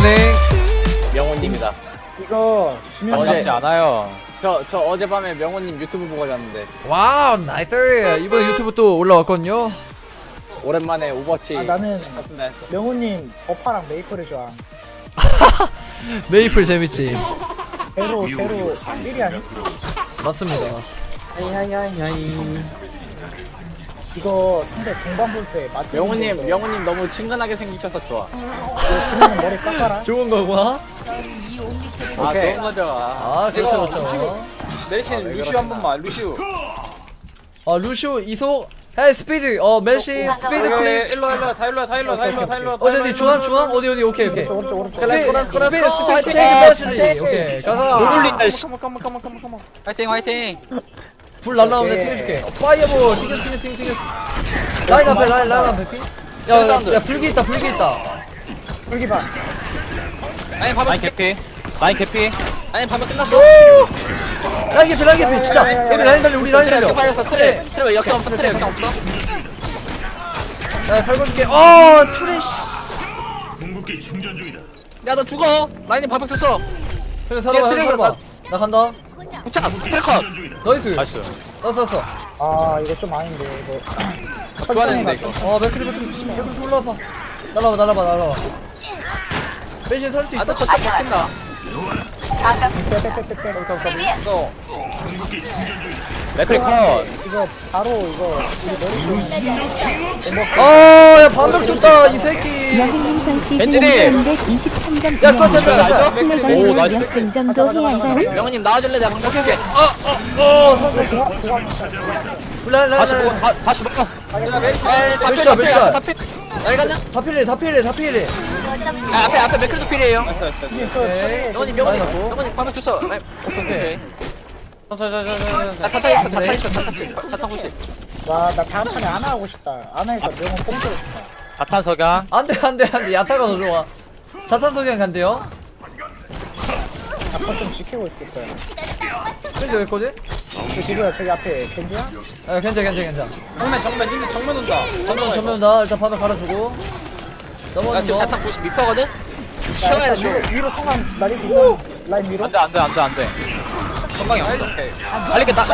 굿모닝. 명호님이다. 이거 주면 어제 않아요. 저 어젯밤에 명호님 유튜브 보고 잤는데 와우 나이스. 이번 유튜브 또 올라왔거든요. 오랜만에 오버워치 나는 했습니다. 명호님 버파랑 메이플을 좋아. 메이플 재밌지. 제로 1위 아니? 맞습니다. 하이하이하이하이. 이거 상대 공방 볼때 맞지? 명호님 너무 친근하게 생기셔서 좋아. 주면 머리 깎아라. 좋은 거구나. 아 오케이. 좋은 거죠. 아 그렇죠 그렇죠. 내신 루시우 한 번만 루시우. 아 루시오 이소. 헤이 스피드. 멜시 스피드 플레이. 일로 다 일로. 어디 중앙 오케이 오른쪽. 스피드 체인지 머시. 오케이 가자. 돌린다. 화이팅. 불 날라오면 내가 튕겨줄게. 파이어볼 튕겼어. 라인 앞에 피. 야 불기 있다. 불기 봐. 라인 개피. 아니 밤에 끝났어. 라인 개피 진짜. 우리 라인 달려. 빠졌어. 트레 왜 역경 없어? 야 밟아줄게. 트레쉬. 궁극기 충전 중이다. 야 너 죽어. 라인이 밥을 줬어. 그래 살아봐. 나 간다. 부착. 트래커. 나이스. 땄어. 아 이거 좀 아닌데 이거. 좋아하는데 이거. 맥크리 올라와봐. 날아봐. 배신 살수 있어. 아너 거쳐 먹힌다. 너 궁극기 충전 중이다. 맥크리 컷. 이거 바로 이거 우리 머리 야 반벽 줬다 이 새끼. 여행님 전 시즌 벤진이! 323점 야, 컷. 플레이를 나이스. 역승점도 해야 한다는 명호님 나와줄래? 내가 방금 줄게. 다시 먹어. 몇 샷? 다 필. 여기 갔냐? 다 필해. 앞에 맥크리도 필이에요. 오케이. 명호님 방금 줬어. 오케이. 자탄 호시. 와나 다음 판에 안 하고 싶다. 안 해서 명호 뽕들. 자탄 석양. 안돼 야타가 더 좋아. 자탄 석양 간대요. 아빠 좀 지키고 있을 거야. 그래서 왜 거지? 지금 저기 앞에 겐지야? 괜찮아. 정면 온다. 전면 다 일단 바닥 갈아주고. 나 넘어가는 지금 거. 자탄 92%거든? 채워야 돼. 위로 성함 날릴 수 있어? 라인 위로? 안돼. 건강이 없어. 알겠다.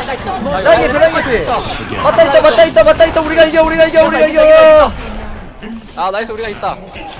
라인 맞다 있다. 우리가 이겨. 아 나이스 우리가 있다.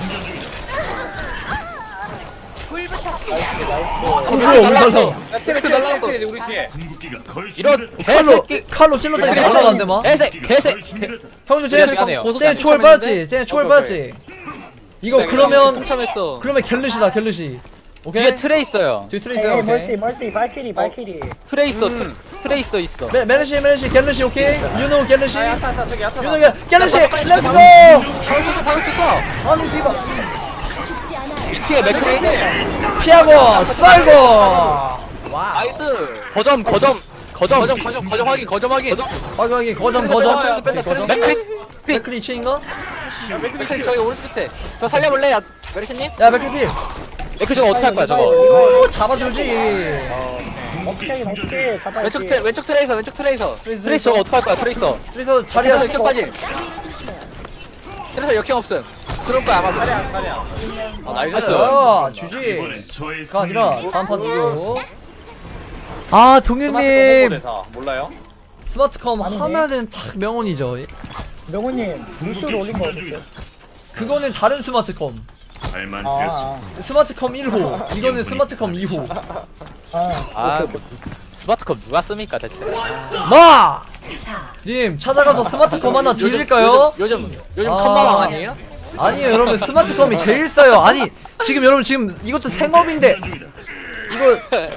날라서. 트랙 날라갔어. 우리 뒤에. 궁극기가 거의 이런 준비됐다. 칼로 찔렀다니 못 나간대 마. 개새. 형들 미안해요. 쟤 초월 받았지. 이거 그러면 참했어. 갤르시다. 오케이. 뒤에 트레 있어요. 뒤에 트레 있어요. 오케이. 멀시 발키리 트레 있어. 트레이서 있어. 메르시 갤르시 오케이. 유노 갤르시. 유노 갤르시. 잠깐, 렛츠고. 방금 쳤어. 아니 씨발. 2층에 맥크리. 피하고 썰고. 와. 나이스. 거점. 거점 확인. 확인 거점. 맥크리. 맥크리 2층인가? 맥크리 저기 오른쪽 끝에. 저 살려볼래? 야 메르시님? 야 맥크리. 맥크리 저거 어떻게 할 거야 저거? 오 잡아주지. 어떻게 하긴 어떻게 잡아야지. 왼쪽 트레이서. 트레이서 저거 어떻게 할 거야 트레이서? 그래서 자리야. 트레이서 역경까지. 트레이서 역경 없음. 그럴 거야 아마도. 나이스. 주지. 이번엔 저의 가 아니라 승리로 다음 판 이기고. 아 동현님 몰라요? 스마트컴 아니네. 하면은 딱 명언이죠. 명호님 루시오를 올린 거 어땠어요? 그거는 다른 스마트컴. 잘만 되었어. 스마트컴 1호. 이거는 스마트컴 2호. 아 스마트컵 누가 씁니까 대체? 마! 님 찾아가서 스마트컴 하나 드릴까요? 요즘 아. 컴마왕 아니에요? 아니에요 여러분 스마트컴이 제일 싸요. 아니 지금 여러분 지금 이것도 생업인데 이거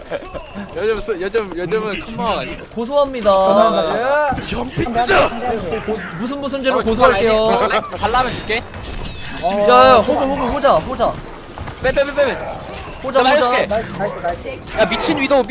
요즘은 컴마왕 아니에요? 고소합니다. 무슨 죄로 고소할게요. 달라면 줄게. 야 호자. 빼. 호자. 해줄게. 나이스. 야 미친 위도우.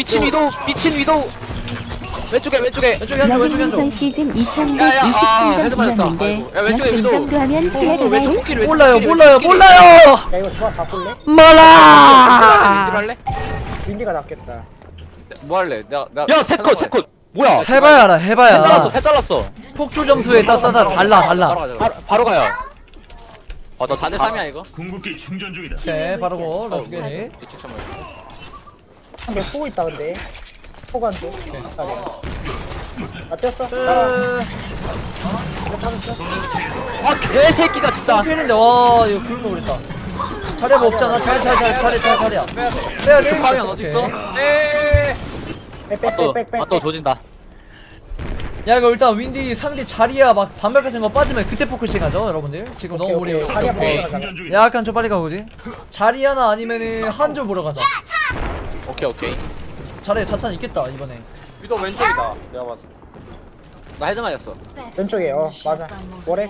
왼쪽에. 여행님 전 시즌 야, 2123점 헤드 맞았다. 이었는데 아이고. 야, 왼쪽에 위도. 역승점도 하면 해야 왼쪽 되나요? 코끼리 몰라요. 야 이거 조합 바꿀래? 말아. 할래? 윈디가 낫겠다. 뭐 할래? 나 야 셋컷. 뭐야? 해봐야 알아. 셋 잘랐어. 폭주 점수에 따라 달라. 바로 가자. 바로 가요. 너 4대 3이야 이거. 궁극기 충전 중이다. 오케이 바르고 러스게니. 이쪽 참아. 상대 포 있다 근데 포가 안돼 아 뛰었어? 아 개새끼가 진짜. 피했는데 와 이거 굶어 그랬다. 자리야 뭐 없잖아. 자리야. 빼야 돼. 방향 어디 있어? 빼빼빼빼빼 또 조진다. 야 이거 일단 윈디 상대 자리야 막 반발 같은 거 빠지면 그때 포커싱 하죠 여러분들. 지금 너무 오케이, 우리 오케이. 자리야 오케이. 보러 가자. 충전 중이다. 약간 좀 빨리 가보지. 자리야나 아니면은 한조 보러 가자. 오케이. 자리야 자탄 있겠다 이번에. 위도 왼쪽이다. 내가 봤을 때. 나 헤드 맞았어. 왼쪽에 맞아 월에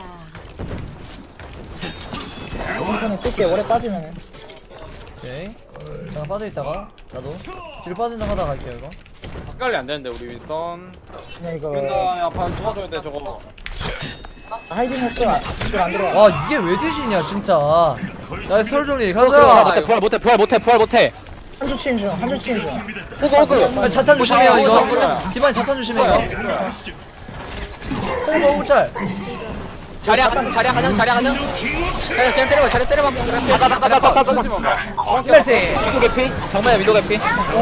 이번에 뛸게 월에 빠지면은 오케이. 잠깐 빠져있다가 나도 뒤로 빠진 척 하다가 갈게요 이거. 헷갈리 안 되는데 우리 윈선. 그냥 이거 윈선 야판 도와줘야 돼 저거. 하이딩 했어 안 들어와 와 이게 왜 되시냐 진짜. 야 설정리 그래, 가자. 그래. 부활 못해. 한줄 치는 중 아, 자탄 조심해요 이거. 보자. 디바인 자탄 조심해 이거. 호구 짤. 자리야 가자. 자리야 그냥 때려봐. 자리야 때려봐. 플래시. 위도 개피. 정말 위도 개피.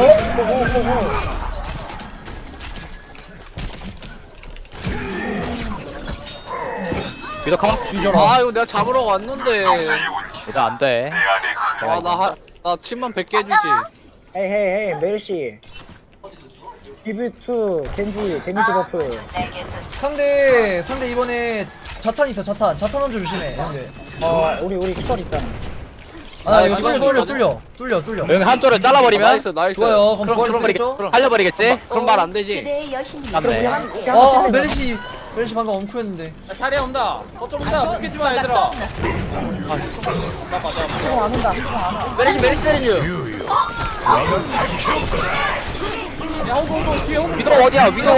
위도 컴. 아 이거 내가 잡으러 왔는데. 이거 안 돼. 나 침만 100개 해주지. 헤이 메르시 비비투 겐지 데미지 버프 상대 이번에 자탄 있어 자탄 한조 조심해 형들. 우리 추월 있잖아 아 이거 이번 뚫려. 여기 한조를 잘라버리면 나이스. 좋아요. 그럼 그럼 부활했죠? 살려버리겠지? 그럼 말 안 되지. 맞네. 아 메르시 방금 엉크였는데. 자리에 온다. 거점 온다. 묶이지 마 얘들아. 지금 안 온다 지금 안 와. 메르시 때리는 중. 야 호구 뒤에 호구. 위도 어디야? 위도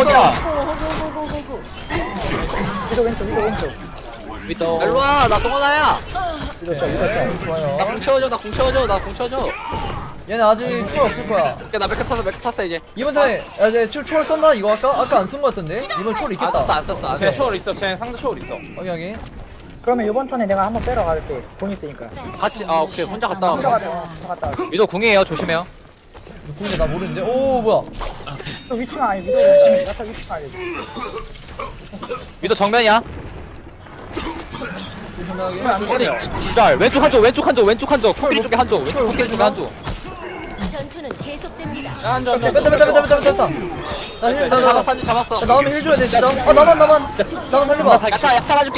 왼쪽 위도. 일로 와. 나 동원아야. 위도 짜 좋아요. 나 공 채워줘. 얘네 아직 초월 없을 거야. 나 맥크 탔어 이제. 이번 턴에 야 이제 초월 썼나 이거 아까 안 쓴 거 같던데. 이번 초월 있겠다. 안 썼어. 쟤 초월 있어. 쟤 상대 초월 있어. 확인하게. 그러면 이번 턴에 내가 한번 빼러 갈게 돈 있으니까 같이 오케이 혼자 갔다 혼자 와. 갔다 와 위도 궁이에요. 조심해요. 근데 나 모르는데. 오 뭐야. 또 위치가 아니 위도 야타 위치가 아니 위도 정면이야. 조심하게. 기절. 왼쪽 한조. 코끼리 쪽에 한조. 왼쪽 코끼리 쪽에 한조. 전투는 계속됩니다. 야 한점 뺐다. 나 힐, 나 잡았어. 나오면 힐 줘야 돼 진짜. 나만 살려봐. 야타 가줄게.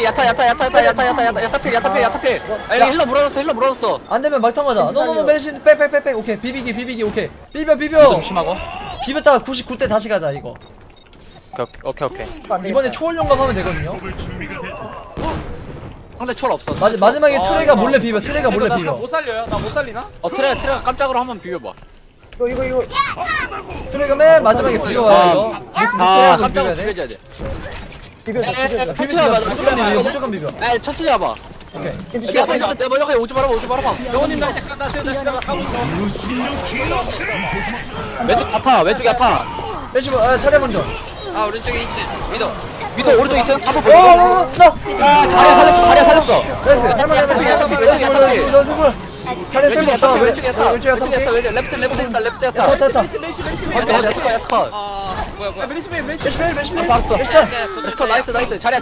야타 필. 아 여기 힐러 물어줬어. 안 되면 말탕 가자. 너너너 메르신 빼. 오케이 비비기 오케이. 위도 비벼. 조심하고. 비볐다가 99대 다시 가자 이거. 오케이. 이번에 초월 용감 하면 되거든요. 준비가 됐다. 상대 초월 없어. 마지막에 트레가 몰래 비벼. 못 살려요? 나 못 살리나? 트레가 깜짝으로 한번 비벼봐. 이거 트레가 맨 마지막에 비벼와요 이거. 자, 깜짝으로 비벼야 돼. 비벼줘야 돼. 비벼 천천히 해봐. 무조건 비벼. 천천히 해봐. 오케이. 내가 먼저 가 오지 말아봐. 영원님 나 이제 나 가고 있어. 왼쪽 야타. 메시 차례 먼저. 아 오른쪽에 있지. 위도 오른쪽 2층. 한번 보고. 나. 자리야 살렸어. 나이스. 할만해. 차례 쓸모 없다. 왼쪽에 야타. 랩트 야타. 됐다. 야타. 야 메리시 알았어. 나이스. 자리야.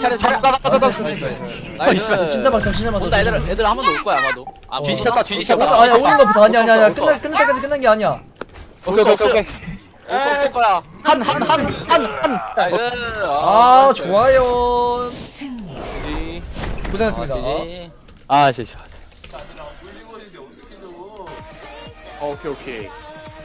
나이스. 진짜 막상 온다 애들 한 번 더 올 거야 아마도. 뒤지셨다. 아니야 오는 거부터 아니야. 끝날 때까지 끝난 게 아니야. 오케이. 올 거야. 한. 나이스. 아 좋아요. 고생했습니다. 아, 진짜. 오케이.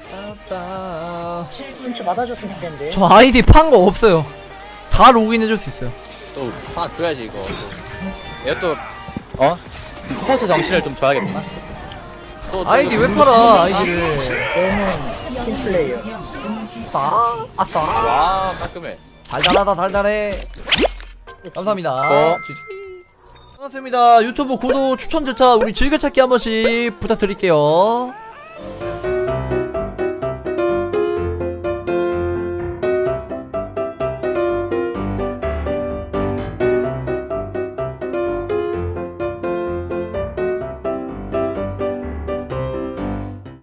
좀 맞아줬으면 좋겠는데 저 아이디 판 거 없어요. 다 로그인 해줄 수 있어요. 또 하나 줘야지 이거. 얘가 또 스포츠 정신을 좀 줘야겠구나. 아이디 왜 팔아 아이디를. 너는 팀플레이어 아싸. 와 깔끔해. 달달해. 감사합니다. 어. 반갑습니다. 유튜브 구독 추천 절차 우리 즐겨찾기 한 번씩 부탁드릴게요.